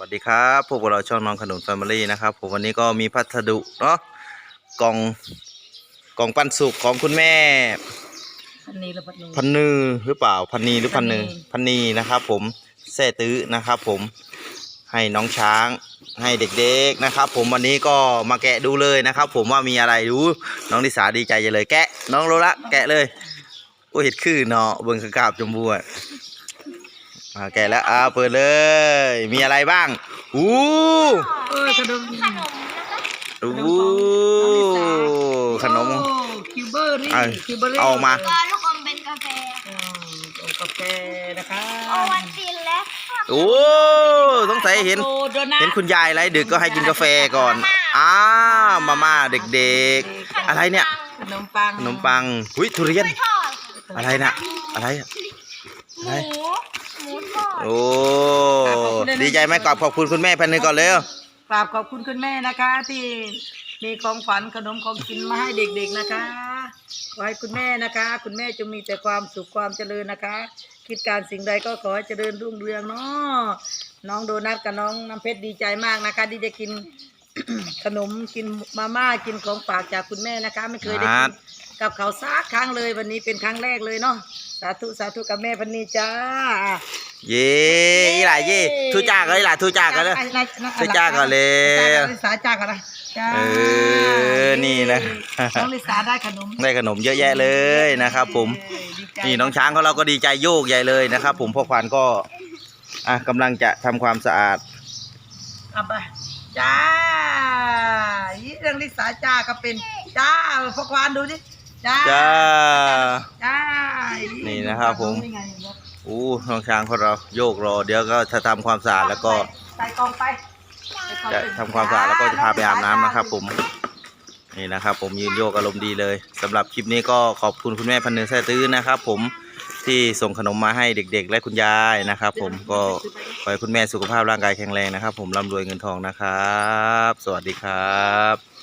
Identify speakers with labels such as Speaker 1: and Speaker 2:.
Speaker 1: วัสดีครับพวกเราช่องน้องขนุนแฟมิลี่นะครับผมวันนี้ก็มีพัสดุเนาะกล่องกล่องปันสุกของคุณแม่
Speaker 2: พันนีหรือพันนู
Speaker 1: พันนือหรือเปล่าพันนีหรือพันนือ
Speaker 2: พันนี
Speaker 1: พันนีนะครับผมแซ่ตื้อนะครับผมให้น้องช้างให้เด็กๆนะครับผมวันนี้ก็มาแกะดูเลยนะครับผมว่ามีอะไรดูน้องลิสาดีใจจะเลยแกะน้องโลละแกะเลยโอ้เห็ดคือเนาะเบิ่งกราบจมบัวแกะแล้วเปิดเลยมีอะไรบ้างอู้
Speaker 2: ขนม
Speaker 1: อู้ขนม
Speaker 2: คิวเบอร์รี่ คิวเบอร์รี่
Speaker 1: เอามา
Speaker 3: ก็ลูกอมเป็นกาแฟ
Speaker 2: กาแฟนะคะ
Speaker 3: โอวันตินและ
Speaker 1: โอ้สงสัยเห็น
Speaker 2: โอ้โดนัท
Speaker 1: เห็นคุณยายไรดึกก็ให้กินกาแฟก่อนมาม่าเด็กๆอะไรเนี่ย
Speaker 2: ขนมปัง
Speaker 1: ขนมปังหุ้ยทุเรียน
Speaker 3: ทอด
Speaker 1: อะไรนะอะไรอะ
Speaker 3: หมูหมูทอด
Speaker 1: โอ้ดีใจไหมขอบคุณคุณแม่พันหนึ่งก่อนเร็ว
Speaker 2: กราบขอบคุณคุณแม่นะคะ ที่มีของขวัญขนมของกินมาให้เด็กๆนะคะขอให้คุณแม่นะคะ คุณแม่จงมีแต่ความสุขความเจริญนะคะ คิดการสิ่งใดก็ขอให้เจริญรุ่งเรืองเนาะน้องโดนัทกับน้องน้ำเพชรดีใจมากนะคะที่จะกิน ขนมกินมาม่ากินของฝากจากคุณแม่นะคะ ไม่เคยได้กินกับเขาวซักครั้งเลยวันนี้เป็นครั้งแรกเลยเนาะสาธุสาธุกับแม่พันนีจ้า
Speaker 1: เย่อีหล่าเย่ทุจ้ากันอีหล่าทุจ้ากันเลย ทุจ้าก่อนเลย
Speaker 2: ลิสาจ้าก่อนนะจ้า
Speaker 1: นี่นะ
Speaker 2: น้องลิสาได้ขนม
Speaker 1: ได้ขนมเยอะแยะเลยนะครับผม
Speaker 2: ดีใจ
Speaker 1: นี่น้องช้างของเราก็ดีใจโยกใหญ่เลยนะครับผมพ่อควานก็กำลังจะทำความสะอาด
Speaker 2: เอาไปจ้าเรื่องลิสาจ้าก็เป็นจ้าพวกวานดูดิจ้า
Speaker 1: จ้า
Speaker 2: จ้า
Speaker 1: นี่นะครับผม อู้น้องช้างของเราโยกรอเดี๋ยวก็จะทำความสะอาดแล้วก็
Speaker 2: ใส่กองไป
Speaker 1: จะทำความสะอาดแล้วก็จะพาไปอาบน้ำนะครับผมนี่นะครับผมยืนโยกอารมณ์ดีเลยสำหรับคลิปนี้ก็ขอบคุณคุณแม่พันหนึ่งแซ่ตื้อนะครับผมที่ส่งขนมมาให้เด็กๆ และคุณยายนะครับผมก็ขอให้คุณแม่สุขภาพร่างกายแข็งแรงนะครับผมร่ำรวยเงินทองนะครับสวัสดีครับ